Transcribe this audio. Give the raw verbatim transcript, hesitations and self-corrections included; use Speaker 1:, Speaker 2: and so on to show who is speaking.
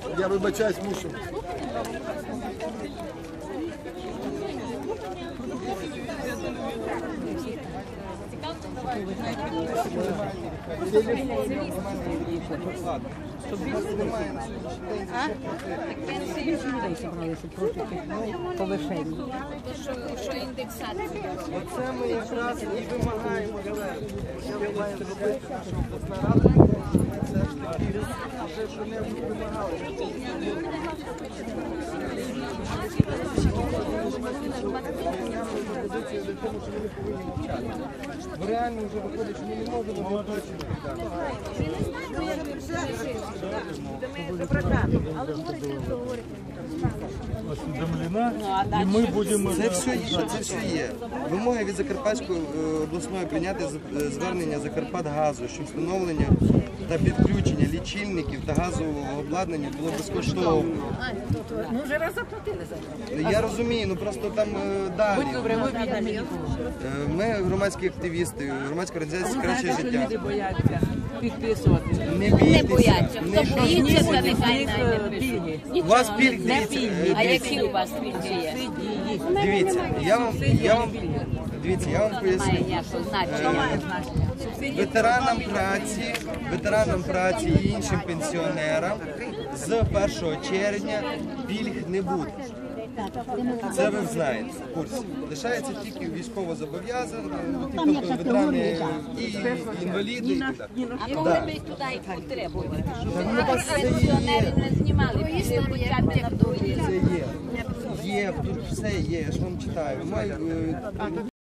Speaker 1: Я вибачаюсь, мушу.
Speaker 2: Що індексація?
Speaker 3: Оце ми якраз і вимагаємо звернення. Що має зробити наша обласна рада? Це ж таки вже що-небудь вимагали. Позиція до того, що вони повинні мовчати. Бо реально вже виходить, що ми не можемо виплачувати.
Speaker 4: Осведомлена, і ми будемо...
Speaker 3: Це все є, це все є. Вимоги від Закарпатської обласної прийняти звернення Закарпатгазу, що встановлення та підключення лічильників та газового обладнання було безкоштовно.
Speaker 2: Ми вже раз заплатили за це.
Speaker 3: Я розумію, ну просто там далі. Ми громадські активісти, громадська організація «Краще життя».
Speaker 5: Люди бояться підписувати.
Speaker 3: Не
Speaker 2: Не
Speaker 3: бійтеся.
Speaker 2: бояться.
Speaker 3: Не
Speaker 2: Хто боїться, то нехай
Speaker 5: них
Speaker 2: не
Speaker 5: пільги.
Speaker 2: пише.
Speaker 3: У вас пільг,
Speaker 2: Не
Speaker 3: дивіться,
Speaker 2: пільги. А
Speaker 3: дивіться.
Speaker 2: які у вас пільги є?
Speaker 3: Дивіться, я вам, я вам, дивіться, я вам
Speaker 2: Немає
Speaker 3: поясню.
Speaker 2: ніякого значення.
Speaker 3: Ветеранам праці, ветеранам праці і іншим пенсіонерам з першого червня пільг не буде. Це ви знаєте в курсі. Лишається тільки військовозобов'язані, тобто ветерани і інваліди і так далі.
Speaker 2: А коли ми туди їх потребуємо? Пенсіонери не знімали після хоча б на другий.
Speaker 3: Це є. Є, тут все є, я ж вам читаю. Ми, е,